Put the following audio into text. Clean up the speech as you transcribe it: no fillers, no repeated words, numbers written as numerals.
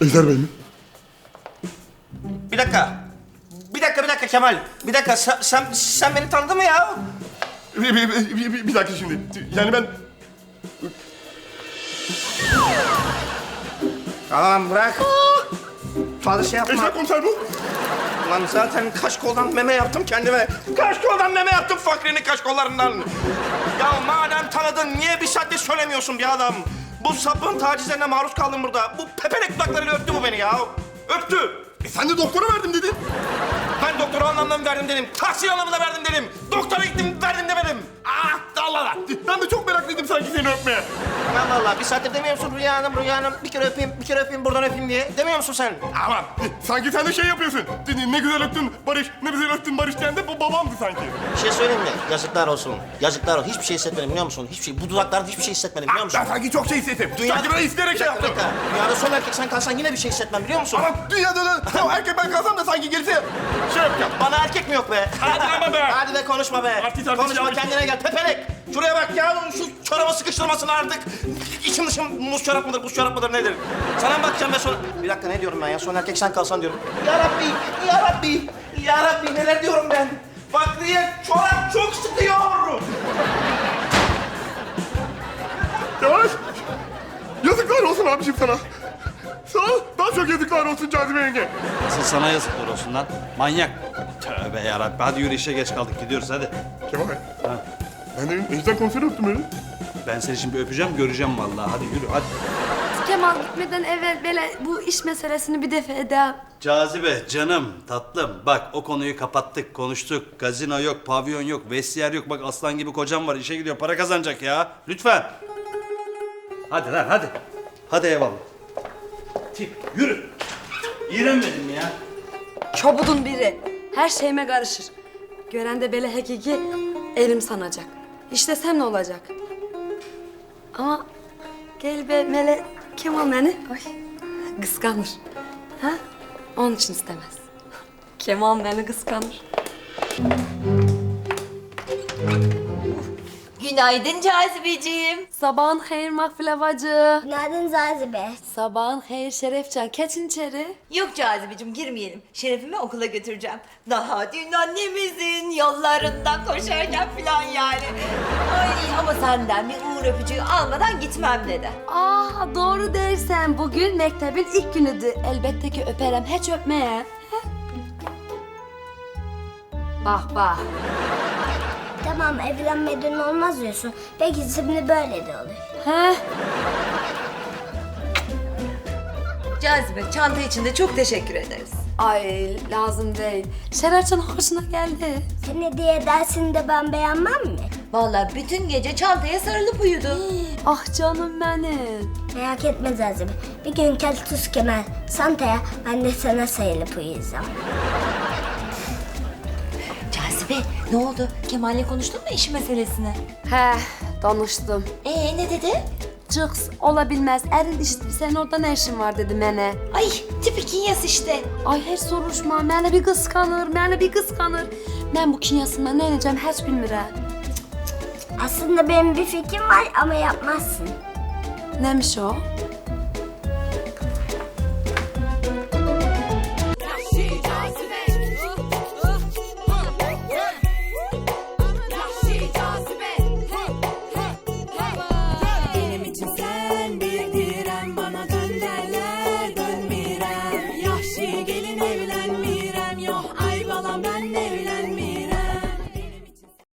Ejder Bey mi? Bir dakika. Bir dakika Kemal. Bir dakika sen beni tanıdın mı ya? Bir dakika şimdi. Yani ben... Tamam bırak. Fazla şey yapma. Ejder komiser bu. Lan zaten kaşkoldan meme yaptım kendime. Kaşkoldan meme yaptım Fakri'nin kaşkollarından. Ya madem tanıdın niye bir saatte söylemiyorsun bir adam? Bu sapığın tacizlerine maruz kaldım burada. Bu pepenek dudaklarıyla öptü bu beni ya. Öptü. Sen de doktora verdim dedin. Ben doktora anlamda mı verdim dedim. Tahsil anlamında verdim dedim. Doktora gittim verdim demedim. Ah Allah Allah. Ben de çok meraklıydım sanki seni öpmeye. Allah Allah bir saattir demiyor musun Rüya Hanım bir kere öpeyim buradan öpeyim diye. Demiyor musun sen? Aman sanki sen de şey yapıyorsun. Ne güzel öptün Barış, ne güzel öptün Barış diyen de bu babamdı sanki. Bir şey söyleyeyim mi? Yazıklar olsun. Yazıklar olsun. Hiçbir şey hissetmedim biliyor musun? Hiçbir şey. Bu dudaklarda hiçbir şey hissetmedim biliyor musun? Ben sanki çok şey hissettim. Sanki ben isteyerek şey Bir yaptım. dakika. Dünyada son erkek sen kalsan yine bir şey hissetmem biliyor musun? Ama dünyada da o erkek ben kalsam da sanki gerisi şey yapacağım. Bana erkek mi yok be? Hadi ama be. Hadi be konuşma be. Artist, Konuşma artist. kendine gel. Pepenek. Şuraya bak ya. Şu çorabı sıkıştırmasın artık. İçim dışım muz çorap mıdır, buz çorap mıdır nedir? Sana mı bakacağım be son... Bir dakika ne diyorum ben ya? Son erkek sen kalsan diyorum. Ya Rabbi, ya Rabbi, ya Rabbi neler diyorum ben? Fakriye çorap çok sıkıyor. Yavaş. Yazıklar olsun abiciğim sana. Sana daha çok yazıklar olsun Cazibe yenge. Asıl sana yazıklar olsun lan. Manyak. Tövbe yarabbim. Hadi yürü işe geç kaldık. Gidiyoruz hadi. Kemal. Ben de Ejder komiseri öptüm öyle. Ben seni şimdi öpeceğim, göreceğim vallahi. Hadi yürü hadi. Kemal gitmeden evvel böyle bu iş meselesini bir defa edeyim. Cazibe, canım, tatlım. Bak o konuyu kapattık, konuştuk. Gazino yok, pavyon yok, vestiyer yok. Bak aslan gibi kocam var, işe gidiyor, para kazanacak ya. Lütfen. Hadi lan, hadi. Hadi eyvallah. Tip, yürü. İğrenmedim ya. Çobudun biri. Her şeyime karışır. Gören de böyle hakiki elim sanacak. İşte sen ne olacak? Ama gel be Mele Kemal beni ay, kıskanır. Ha? Onun için istemez. Kemal beni kıskanır. Günaydın Cazibeciğim. Sabahın hayır Makbule bacı. Günaydın Zazibe. Sabahın hayır Şerefcan. Keçin içeri. Yok Cazibeciğim girmeyelim. Şerefimi okula götüreceğim. Daha dün annemizin yollarında koşarken falan yani. Ay ama senden bir uğur öpücüğü almadan gitmem dedi. Doğru dersen bugün mektebin ilk günüdü. Elbette ki öperim. Hiç öpmeye. Bak bak. Tamam evlenmeden olmaz diyorsun. Peki şimdi böyle de olur. He? Cazibe çanta için de çok teşekkür ederiz. Ay lazım değil. Şerefcan hoşuna geldi. Sen hediye edersin de ben beğenmem mi? Vallahi bütün gece çantaya sarılıp uyudu. Ah canım benim. Merak etme Zazibe. Bir gün Keltus Kemal Santa'ya ben de sana sayılıp uyuyacağım. Cazibe ne oldu? Kemal'le konuştun mu iş meselesini? He, danıştım. Ne dedi? Cıks olabilmez. Erin işte senin orada ne işin var dedi bana. Ay tipik kinyas işte. Ay hiç soruşma. Beni bir kıskanır, beni bir kıskanır. Ben bu kinyasından ne edeceğim hiç bilmirəm. Aslında benim bir fikrim var ama yapmazsın. Neymiş o?